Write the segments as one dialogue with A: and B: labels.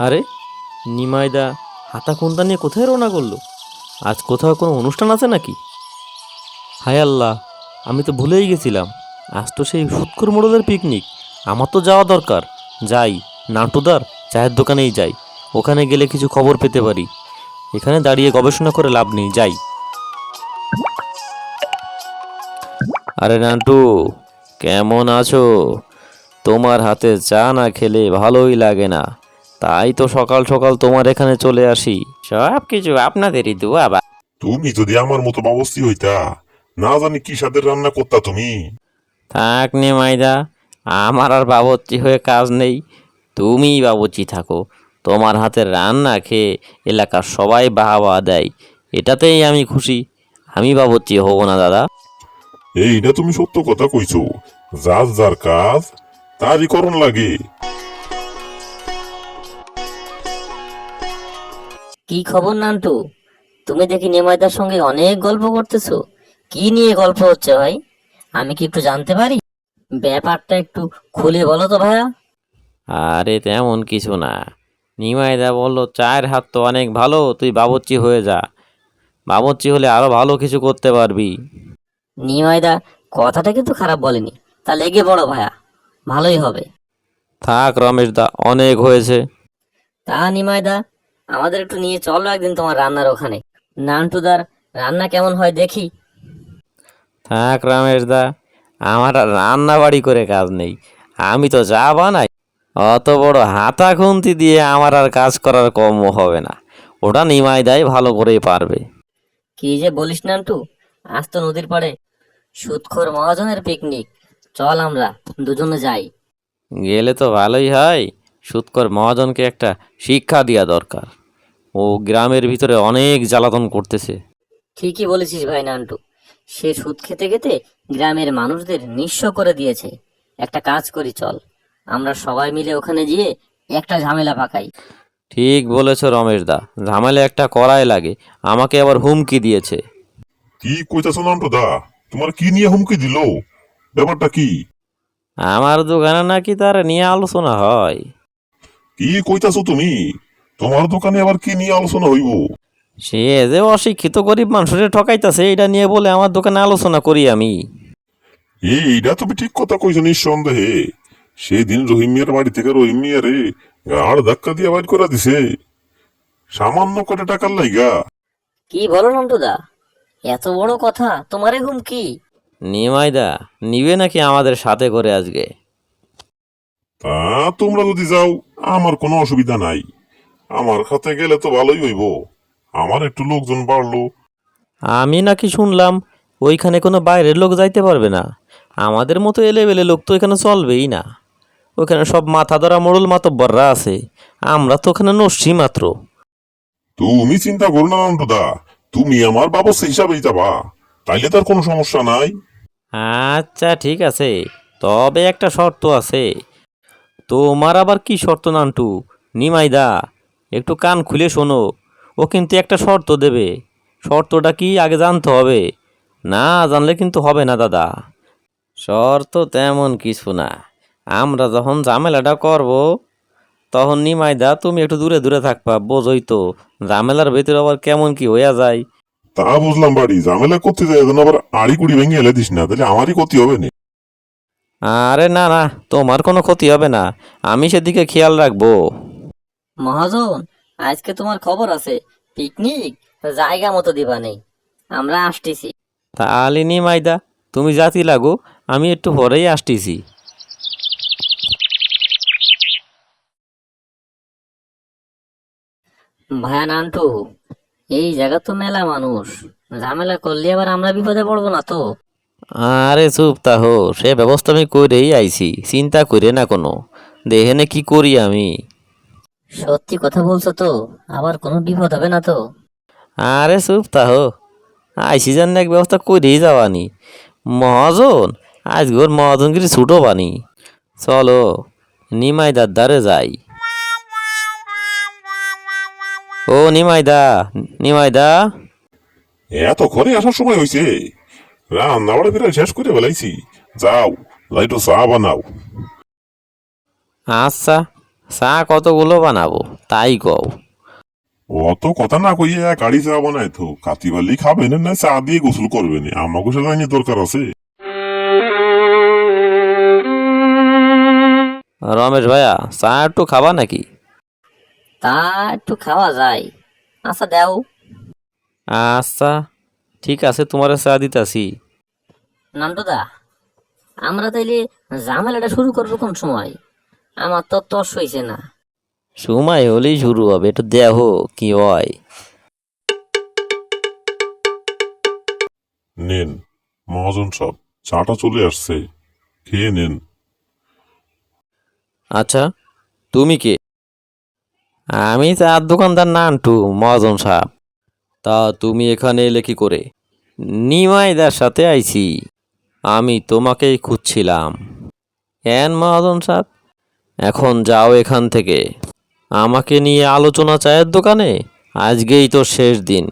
A: আরে নিমাইদা হাতা খুন্তা নিয়ে কোথায় রওনা করলো? আজ কোথাও কোনো অনুষ্ঠান আছে নাকি? হায় আল্লাহ, আমি তো ভুলেই গেছিলাম। আজ তো সেই সুৎখোর মোড়লের পিকনিক। আমার তো যাওয়া দরকার। যাই, নাটুদার চায়ের দোকানেই যাই। ওখানে গেলে কিছু খবর পেতে পারি। এখানে দাঁড়িয়ে গবেষণা করে লাভ নেই, যাই। আরে নান্টু, কেমন আছো? তোমার হাতে চা না খেলে ভালোই লাগে না। তাই তো সকাল সকাল তোমার এখানে চলে আসি। সব কিছু আপনাদেরই দোয়া বা।
B: তুমি যদি আমার মতো বাবুর্চি হইতা, না জানি কি স্বাদের রান্না করতা তুমি।
A: থাক নে মাইদা, আমার আর বাবুর্চি হয়ে কাজ নেই। তুমিই বাবুর্চি থাকো। তোমার হাতের রান্না খেয়ে এলাকার সবাই বাহবা দেয়, এটাতেই আমি খুশি। আমি বাবুর্চি হব না দাদা।
B: এইটা তুমি সত্য কথা কইছো। যার যার কাজ তারই করণ লাগে।
C: কি খবর নান্টু? তুমি দেখি নিমাইদার সঙ্গে অনেক গল্প করতেছো। কি নিয়ে গল্প হচ্ছে ভাই? আমি কি একটু জানতে পারি? ব্যাপারটা একটু খুলে বলো তো ভাইয়া।
A: আরে তেমন কিছু না। নিমাইদা বলল, চায়ের হাত তো অনেক ভালো, তুই বাবুর্চি হয়ে যা। বাবুর্চি হলে আরো ভালো কিছু করতে পারবি।
C: নিমাইদা কথাটা কিন্তু খারাপ বলেনি। তা লেগে পড়ো ভাইয়া, ভালোই হবে।
A: থাক রমেশ দা, অনেক হয়েছে।
C: তা নিমাইদা, আমাদের একটু নিয়ে চলো একদিন তোমার রান্নার ওখানে। নান্টুদার রান্না কেমন হয় দেখি।
A: থাক রমেশ দা, আমার আর রান্না বাড়ি করে কাজ নেই। আমি তো চা বানাই। অত বড় হাতা খুন্তি দিয়ে আমার আর কাজ করার কম হবে না। ওটা নিমাইদাই ভালো করেই পারবে।
C: কি যে বলিস নান্টু, আজ তো নদীর পাড়ে সুদখোর মহাজনের পিকনিক। চল আমরা দুজনে যাই।
A: গেলে তো ভালোই হয়। সুৎকর মহাজনকে একটা শিক্ষা দেওয়া দরকার। ও গ্রামের ভিতরে অনেক জ্বালাতন করতেছে।
C: ঠিকই বলেছিস ভাই নান্টু। সে সুদ খেতে খেতে গ্রামের মানুষদের নিঃস্ব করে দিয়েছে। একটা কাজ করি, চল আমরা সবাই মিলে ওখানে গিয়ে একটা ঝামেলা পাকাই।
A: ঠিক বলেছ রমেশ দা, ঝামেলা একটা করাই লাগে। আমাকে আবার হুমকি দিয়েছে।
B: কি কইতাছো নান্টু দা? তোমার কি নিয়ে হুমকি দিল? ব্যাপারটা কি?
A: আমার দোকানে নাকি তার নিয়ে আলোচনা হয়।
B: কি কইতাছো তুমি? তোমার দোকানে আবার কি নিয়ে আলোচনা হইব?
A: সে যে অশিক্ষিত গরিব মানুষের ঠকাইতাছে, এটা নিয়ে বলে আমার দোকানে আলোচনা করি আমি।
B: এইটা তুমি ঠিক কথা কইছো নিঃসন্দেহে। সেদিন রহিম মিয়ার বাড়ি থেকে রহিম মিয়ারে গাড় ধাক্কা দিয়ে বাইর করে দিছে, সামান্য কটা টাকার লাইগা।
C: কি বলো নান্টুদা, এত বড় কথা তোমারে হুমকি?
A: নিমাইদা নিবে নাকি আমাদের সাথে করে আজকে?
B: তা তোমরা যদি যাও আমার কোনো অসুবিধা নাই। আমার সাথে গেলে তো ভালোই হইব। আমার একটু লোকজন বাড়লো।
A: আমি নাকি শুনলাম ওইখানে কোনো বাইরের লোক যাইতে পারবে না। আমাদের মতো এলেবেলে লোক তো এখানে চলবেই না। ওখানে সব মাথা ধরা মোড়ল মাতব্বররা আছে। আমরা তো ওখানে নস্যি মাত্র।
B: তুমি চিন্তা করো না নন্দদা, তুমি আমার বাবুর্চি হিসাবেই যাবা, তাইলে তার কোনো সমস্যা নাই।
A: আচ্ছা ঠিক আছে, তবে একটা শর্ত আছে। তোমার আবার কি শর্ত নান্টু? নিমাইদা, একটু কান খুলে শোনো। ও কিন্তু একটা শর্ত দেবে। শর্তটা কি আগে জানতে হবে। না জানলে কিন্তু হবে না দাদা। শর্ত তেমন কিছু না। আমরা যখন ঝামেলাটা করব, তখন নিমাইদা তুমি একটু দূরে দূরে থাকবা, বোঝই তো ঝামেলার ভেতরে আবার কেমন কি হইয়া যায়।
B: তা বুঝলাম, বাড়ি ঝামেলা করতে যাই যেন আবার আড়ি কুড়ি ভেঙে এলে দিস না, তাহলে আমারই ক্ষতি হবে না।
A: আরে না না, তোমার কোনো ক্ষতি হবে না। আমি সেদিকে খেয়াল রাখবো।
C: মহাজন, আজকে তোমার খবর আছে, পিকনিক জায়গা মতো দিবা নেই। আমরা আসতেছি।
A: তাহলে নিমাইদা, তুমি জাতি লাগো, আমি একটু পরেই আসতেছি।
C: ভায়া নান্টু, এই জায়গা তো মেলা মানুষ, ঝামেলা করলে আবার আমরা বিপদে পড়বো না তো?
A: আরে চুপ তাহো, সে ব্যবস্থা আমি করেই আইছি, চিন্তা করে না কোনো। দেখেনে কি করি আমি।
C: সত্যি কথা বলছো তো? আবার কোনো বিপদ হবে না তো?
A: আরে চুপ তাহো, আইসি জান এক ব্যবস্থা করেই যাওয়ানি। মহাজন, আজ গোর মহাজনগিরি ছুটো বানি। চলো নিমাইদার দ্বারে যাই। ও নিমাইদা, নিমাইদা।
B: এতক্ষণে আসার সময় হয়েছে? রান্না বাড়া ফেরা শেষ করে বেলাইছি। যাও, যাই তো চা বানাও।
A: আচ্ছা, চা কতগুলো বানাবো তাই কও।
B: অত কথা না কইয়া গাড়ি চা বানাই তো কাতিবালি খাবেন না চা দিয়ে গোসল করবেন আমাকে সেটা নিয়ে দরকার আছে।
A: রমেশ ভাইয়া চা একটু খাবা নাকি?
C: তা একটু খাওয়া যায়। আচ্ছা দাও।
A: আচ্ছা ঠিক আছে, তোমার চা দিতাছি।
C: নান্টুদা, আমরা তাইলে ঝামেলাটা শুরু করবো কোন সময়? আমার তো তস হইছে না।
A: সময় হলেই শুরু হবে, একটু দেখো কি হয়।
B: নেন মহাজন সব চাটা চলে আসছে, খেয়ে নেন।
A: আচ্ছা তুমি কে? আমি চার দোকানদার নান্টু মহাজন সাহেব। তা তুমি এখানে এলে কি করে? নিমাইদার সাথে আইছি, আমি তোমাকেই খুঁজছিলাম। এন মহাজন সাহেব, এখন যাও এখান থেকে। আমাকে নিয়ে আলোচনা চায়ের দোকানে? আজকেই তো শেষ দিন।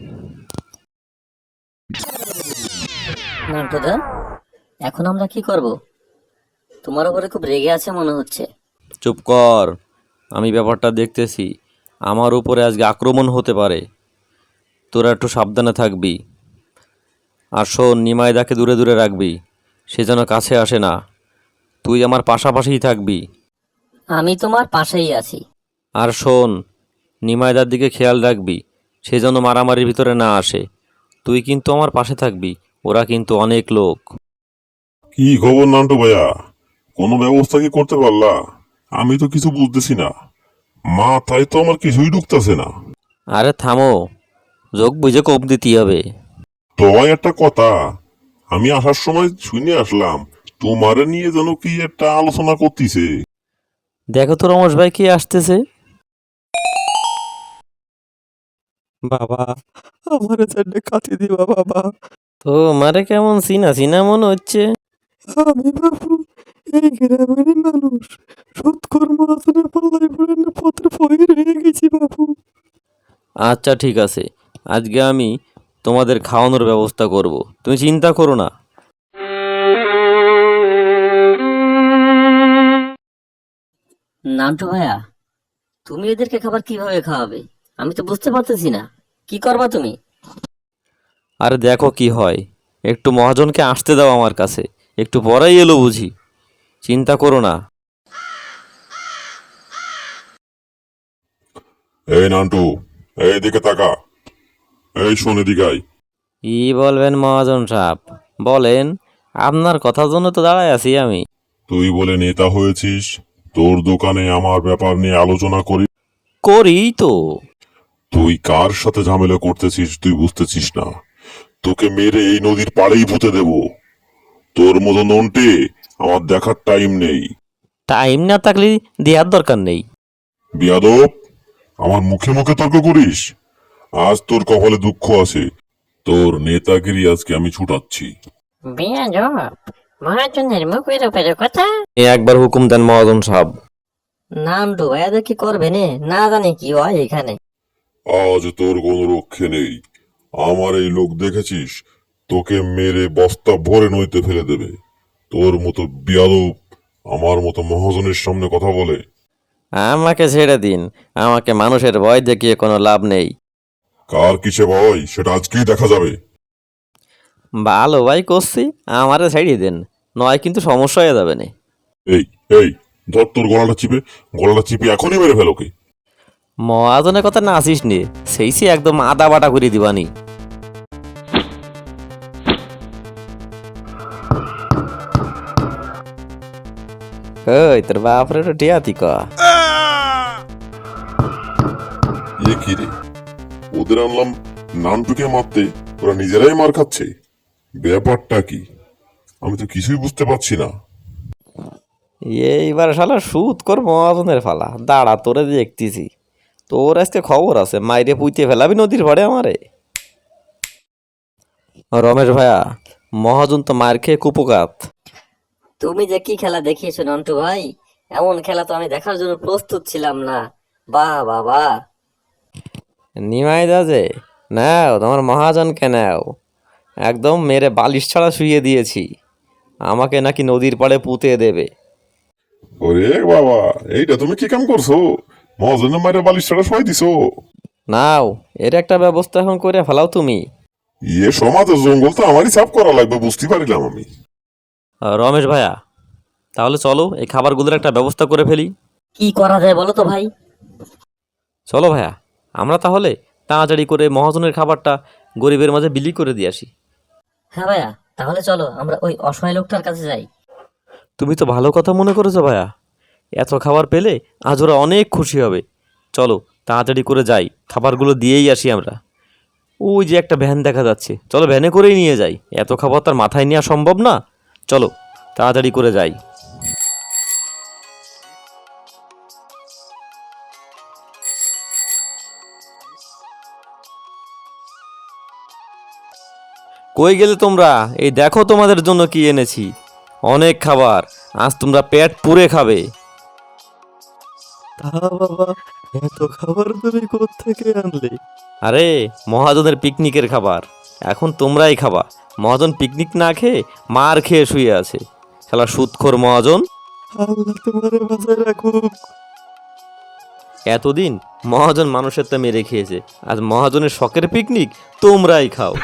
C: নান্টুদা, এখন আমরা কি করব? তোমার উপরে খুব রেগে আছে মনে হচ্ছে।
A: চুপ কর, আমি ব্যাপারটা দেখতেছি। আমার উপরে আজকে আক্রমণ হতে পারে, তোরা একটু সাবধানে থাকবি। আর শোন, নিমাইদাকে দূরে দূরে রাখবি, সে যেন কাছে আসে না। তুই আমার পাশাপাশিই থাকবি।
C: আমি তোমার পাশেই আছি।
A: আর শোন, নিমাইদার দিকে খেয়াল রাখবি, সে যেন মারামারির ভিতরে না আসে। তুই কিন্তু আমার পাশে থাকবি, ওরা কিন্তু অনেক লোক।
B: কি খবর নান্টু ভাইয়া, কোনো ব্যবস্থা কি করতে পারলা? আমি তো কিছু বুঝতেছি না, মাথায় তো আমার কিছুই ঢুকতেছে না।
A: আরে থামো, যোগ বুঝে কোপ দিতেই হবে।
B: তয় একটা কথা, আমি আসার সময় শুনে আসলাম তোমারে নিয়ে যেন কি একটা আলোচনা করতিছে।
A: দেখো তো রমেশ ভাই কে আসতেছে।
D: বাবা, আমার চারটে কাটি দিবা বাবা।
A: তো মারে কেমন চিনা চিনা মনে হচ্ছে।
D: আমি বাবু এই গ্রামের মানুষ, সৎকর্ম আসনে পাল্লাই পড়ে না পত্র ফয়ের হয়ে গেছি বাবু।
A: আচ্ছা ঠিক আছে, আজকে আমি তোমাদের খাওয়ানোর ব্যবস্থা করব, তুমি চিন্তা করো না।
C: নান্টু ভাইয়া, তুমি এদেরকে খাবার কিভাবে খাওয়াবে? আমি তো বুঝতে পারতেছি না। কি করবা তুমি?
A: আরে দেখো কি হয়, একটু মহাজনকে আসতে দাও আমার কাছে, একটু পরেই এলো বুঝি, চিন্তা করো না।
B: এই নান্টু, এই দিকে তাকা, এই শোন এদিকে আয়।
A: কি বলবেন মহাজন সাহেব, বলেন। আপনার কথার জন্য তো দাঁড়ায় আছি আমি।
B: তুই বলে নেতা হয়েছিস, তোর দোকানে আমার ব্যাপার নিয়ে আলোচনা করি।
A: করি তো।
B: তুই কার সাথে ঝামেলা করতেছিস তুই বুঝতেছিস না। তোকে মেরে এই নদীর পাড়েই পুঁতে দেব। তোর মতো নন্টে আমার দেখার টাইম নেই।
A: টাইম না থাকলে দেওয়ার দরকার নেই।
B: বিয়াদব, আমার মুখে মুখে তর্ক করিস? আজ তোর কপালে দুঃখ আছে, তোর নেতাগিরি আজকে আমি ছুটাচ্ছি।
C: বেয়াদব, মহাজনের মুখের উপরে কথা।
A: একবার হুকুম দেন মহাজন সাহেব।
C: নান্টু ভাইয়াদের কি করবে নে, না জানি কি হয় এখানে।
B: আজ তোর কোনো রক্ষে নেই। আমার এই লোক দেখেছিস, তোকে মেরে বস্তা ভরে নইতে ফেলে দেবে। তোর মতো বিয়াদব আমার মতো মহাজনের সামনে কথা বলে?
A: আমাকে ছেড়ে দিন, আমাকে মানুষের ভয় দেখিয়ে কোনো লাভ নেই।
B: কার কিসে ভয় সেটা আজকেই দেখা যাবে।
A: ভালো ভাই করছি, আমারে ছাড়িয়ে দেন, নয় কিন্তু সমস্যা হয়ে যাবে না।
B: এই এই ধর তোর গলাটা চিপে এখনই মেরে ফেলোকে।
A: মহাজনের কথা না আসিস নি, সেই সে একদম আদা বাটা করে দিবানি। ওই তোর বাপরে তো টিয়াতি ক।
B: এ কি রে, ওদের আনলাম নানটুকে মারতে, ওরা নিজেরাই মার খাচ্ছে। ব্যাপারটা কি আমি তো কিছুই বুঝতে পারছি না।
A: এইবার শালা সুদ কর মহাজনের ফালা, দাঁড়া তোরে দেখতেছি। তোর আজকে খবর আছে, মাইরে পুইতে ফেলাবি নদীর ভাড়ে আমারে। রমেশ ভাইয়া, মহাজন তো মার খেয়ে কুপকাত।
C: তুমি যে কি খেলা দেখিয়েছো নন্টু ভাই, এমন খেলা তো আমি দেখার জন্য প্রস্তুত ছিলাম না। বাহ বাবা।
A: নিমাই দাজে, নাও তোমার মহাজনকে নাও, একদম মেরে বালিশ ছাড়া শুইয়ে দিয়েছি। আমাকে নাকি নদীর পাড়ে পুঁতে দেবে।
B: ওরে বাবা, এইটা তুমি কি কাম করছো? মহাজনের মায়ের বালিশ ছাড়া শোয়াই দিছো?
A: নাও, এর একটা ব্যবস্থা এখন করে ফেলাও তুমি।
B: ইয়ে সমাজের জঙ্গল তো আমারই সাফ করা লাগবে, বুঝতে পারিলাম আমি।
A: রমেশ ভাইয়া, তাহলে চলো এই খাবারগুলোর একটা ব্যবস্থা করে ফেলি।
C: কি করা যায় বলো তো ভাই?
A: চলো ভাইয়া, আমরা তাহলে তাড়াতাড়ি করে মহাজনের খাবারটা গরিবের মাঝে বিলি করে দিয়ে আসি।
C: হ্যাঁ ভাইয়া, তাহলে চলো আমরা ওই অসহায় লোকটার কাছে যাই।
A: তুমি তো ভালো কথা মনে করেছো ভাইয়া, এত খাবার পেলে আজ ওরা অনেক খুশি হবে। চলো তাড়াতাড়ি করে যাই, খাবারগুলো দিয়েই আসি আমরা। ওই যে একটা ভ্যান দেখা যাচ্ছে, চলো ভ্যানে করেই নিয়ে যাই, এত খাবার তার মাথায় নেওয়া সম্ভব না। চলো তাড়াতাড়ি করে যাই। কই গেলে তোমরা? এই দেখো তোমাদের জন্য কি এনেছি, অনেক খাবার, আজ তোমরা পেট পুরে খাবে।
D: তা বাবা, এত খাবার তুমি কোত্থেকে আনলে?
A: আরে মহাজনের পিকনিকের খাবার, এখন তোমরাই খাবা। মহাজন পিকনিক না খেয়ে মার খেয়ে শুয়ে আছে, শালা সুদখোর মহাজন।
D: আল্লাহ তোমারে বাঁচায় রাখুক।
A: এতদিন মহাজন মানুষের তো মেরে খেয়েছে, আজ মহাজনের শখের পিকনিক তোমরাই খাও।